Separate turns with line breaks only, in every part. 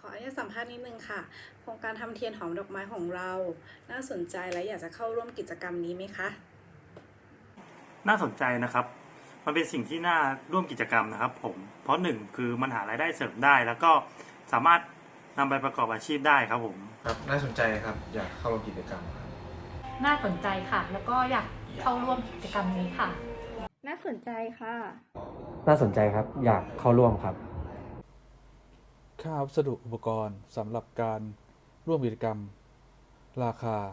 ออนุญาตสัมภาษณ์นิดนึงค่ะโครงการทำเทียนหอมดอกไม้ของเราน่าสนใจและอยากจะเข้าร่วมกิจกรรมนี้ไหมคะ
น่าสนใจนะครับมันเป็นสิ่งที่น่าร่วมกิจกรรมนะครับผมเพราะหนึ่งคือมันหารายได้เสริมได้แล้วก็สามารถนำไปประกอบอาชีพได้ครับผม
ครับน่าสนใจครับอยากเข้าร่วมกิจกรรมครับ
น่าสนใจค่ะแล้วก็อยากเข้าร่วมกิจกรรมนี้ค่ะ
น่าสนใจค่ะ
น่าสนใจครับอยากเข้าร่วมครับ
ค่าวัสดุอุปกรณ์สำหรับการร่วมกิจกรรมราคา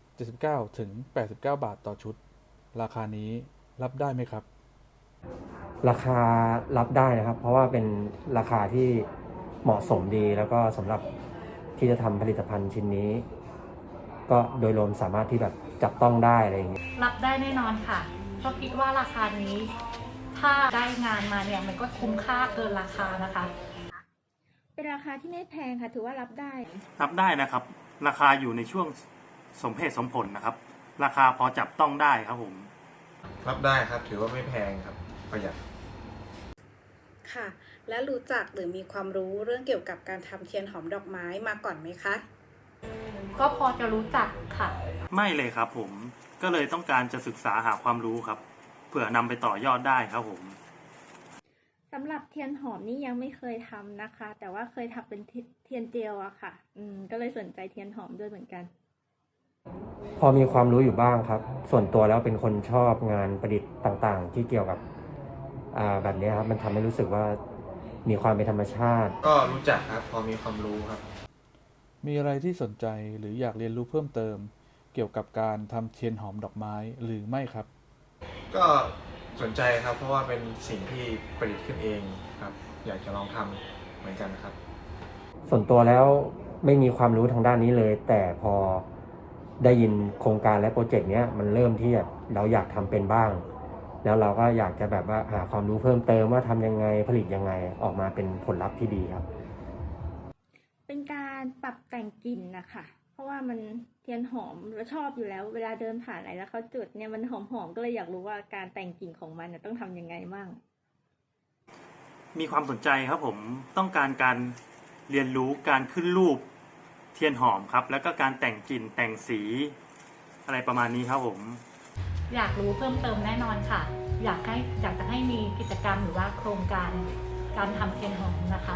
79 ถึง 89 บาทต่อชุด ราคานี้รับได้ไหมครับ
ราคารับได้นะครับเพราะว่าเป็นราคาที่เหมาะสมดีแล้วก็สำหรับที่จะทำผลิตภัณฑ์ชิ้นนี้ ก็โดยรวมสามารถที่แบบจับต้องได้อะไรอย่างเงี้ย
รับได้แน่นอนค่ะเพราะคิดว่าราคานี้ถ้าได้งานมาเนี่ยมันก็คุ้มค่าเกินราคานะคะ
เป็นราคาที่ไม่แพงค่ะถือว่ารับได้
นะครับราคาอยู่ในช่วงสมเหตุสมผลนะครับราคาพอจับต้องได้ครับผม
รับได้ครับถือว่าไม่แพงครับประหยัด
ค่ะและรู้จักหรือมีความรู้เรื่องเกี่ยวกับการทำเทียนหอมดอกไม้มาก่อนไหมคะ
ก็พอจะรู้จักค่ะ
ไม่เลยครับผมก็เลยต้องการจะศึกษาหาความรู้ครับเผื่อนำไปต่อยอดได้ครับผม
สำหรับเทียนหอมนี่ยังไม่เคยทำนะคะแต่ว่าเคยทำเป็นเทียนเจลอะค่ะก็เลยสนใจเทียนหอมด้วยเหมือนกัน
พอมีความรู้อยู่บ้างครับส่วนตัวแล้วเป็นคนชอบงานประดิษฐ์ต่างๆที่เกี่ยวกับแบบนี้ครับมันทำให้รู้สึกว่ามีความเป็นธรรมชาติ
ก็รู้จักครับพอมีความรู้ครับ
มีอะไรที่สนใจหรืออยากเรียนรู้เพิ่มเติมเกี่ยวกับการทำเทียนหอมดอกไม้หรือไม่ครับ
ก็สนใจครับเพราะว่าเป็นสิ่งที่ประดิษฐ์ขึ้นเองครับอยากจะลองทำเหมือนกันครับ
ส่วนตัวแล้วไม่มีความรู้ทางด้านนี้เลยแต่พอได้ยินโครงการและโปรเจกต์เนี้ยมันเริ่มที่เราอยากทำเป็นบ้างแล้วเราก็อยากจะแบบว่าหาความรู้เพิ่มเติมว่าทำยังไงผลิตยังไงออกมาเป็นผลลัพธ์ที่ดีครับ
เป็นการปรับแต่งกลิ่นนะคะเพราะว่ามันเทียนหอมเราชอบอยู่แล้วเวลาเดินผ่านไหนแล้วเขาจุดเนี่ยมันหอมๆก็เลยอยากรู้ว่าการแต่งกลิ่นของมันต้องทำยังไงมั่ง
มีความสนใจครับผมต้องการเรียนรู้การขึ้นรูปเทียนหอมครับแล้วก็การแต่งกลิ่นแต่งสีอะไรประมาณนี้ครับผม
อยากรู้เพิ่มเติมแน่นอนค่ะอยากจะให้มีกิจกรรมหรือว่าโครงการการทำเทียนหอมนะคะ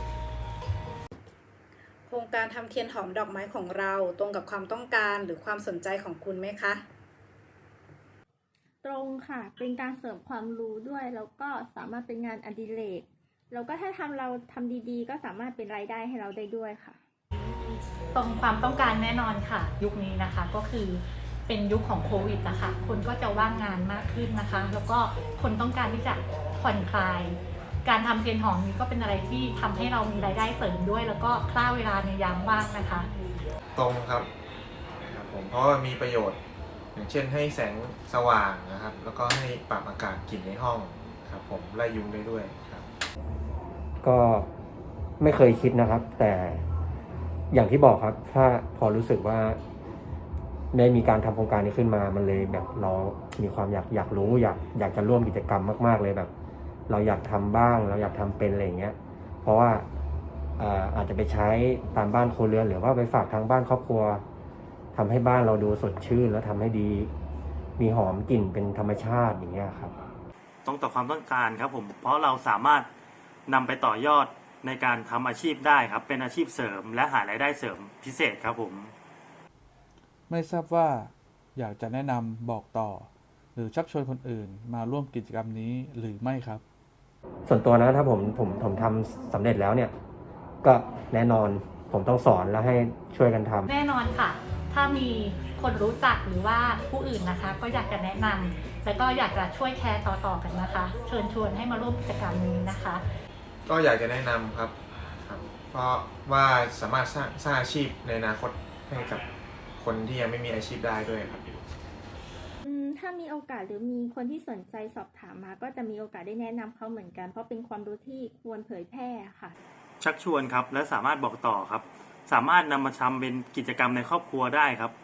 โครงการทำเทียนหอมดอกไม้ของเราตรงกับความต้องการหรือความสนใจของคุณไหมคะ
ตรงค่ะเป็นการเสริมความรู้ด้วยแล้วก็สามารถเป็นงานอดิเรกแล้วก็ถ้าเราทำดีๆก็สามารถเป็นรายได้ให้เราได้ด้วยค่ะ
ตรงความต้องการแน่นอนค่ะยุคนี้นะคะก็คือเป็นยุคของโควิดนะคะคนก็จะว่างงานมากขึ้นนะคะแล้วก็คนต้องการที่จะผ่อนคลายการทำเทียนหอมนี้ก็เป็นอะไรที่ทำให้เรามีรายได้เสริมด้วยแล้วก็ฆ่าเวลาในยามว่างนะคะ
ตรงครับผมเพราะว่ามีประโยชน์อย่างเช่นให้แสงสว่างนะครับแล้วก็ให้ปรับอากาศกลิ่นในห้องครับผมไล่ยุงได้ด้วยครับ
ก็ไม่เคยคิดนะครับแต่อย่างที่บอกครับถ้าพอรู้สึกว่าได้มีการทำโครงการนี้ขึ้นมามันเลยแบบเรามีความอยากรู้อยากจะร่วมกิจกรรมมากๆเลยแบบเราอยากทำบ้างเราอยากทำเป็นอะไรอย่างเงี้ยเพราะว่าอาจจะไปใช้ตามบ้านครัวเรือนหรือว่าไปฝากทางบ้านครอบครัวทำให้บ้านเราดูสดชื่นแล้วทำให้ดีมีหอมกลิ่นเป็นธรรมชาติอย่างเงี้ยครับ
ตรงต่อความต้องการครับผมเพราะเราสามารถนำไปต่อยอดในการทำอาชีพได้ครับเป็นอาชีพเสริมและหารายได้เสริมพิเศษครับผม
ไม่ทราบว่าอยากจะแนะนำบอกต่อหรือชักชวนคนอื่นมาร่วมกิจกรรมนี้หรือไม่ครับ
ส่วนตัวนะถ้าผมทำสำเร็จแล้วเนี่ยก็แน่นอนผมต้องสอนแล้วให้ช่วยกันทำ
แน่นอนค่ะถ้ามีคนรู้จักหรือว่าผู้อื่นนะคะก็อยากจะแนะนำแล้วก็อยากจะช่วยแชร์ต่อๆกันนะคะเชิญชวนให้มาร่วมกิจกรรมนี้นะคะ
ก็อยากจะแนะนำครับเพราะว่าสามารถสร้างอาชีพในอนาคตให้กับคนที่ยังไม่มีอาชีพได้ด้วยครับ
ถ้ามีโอกาสหรือมีคนที่สนใจสอบถามมาก็จะมีโอกาสได้แนะนำเขาเหมือนกันเพราะเป็นความรู้ที่ควรเผยแพร่ค่ะ
ชักชวนครับและสามารถบอกต่อครับสามารถนำมาทำเป็นกิจกรรมในครอบครัวได้ครับ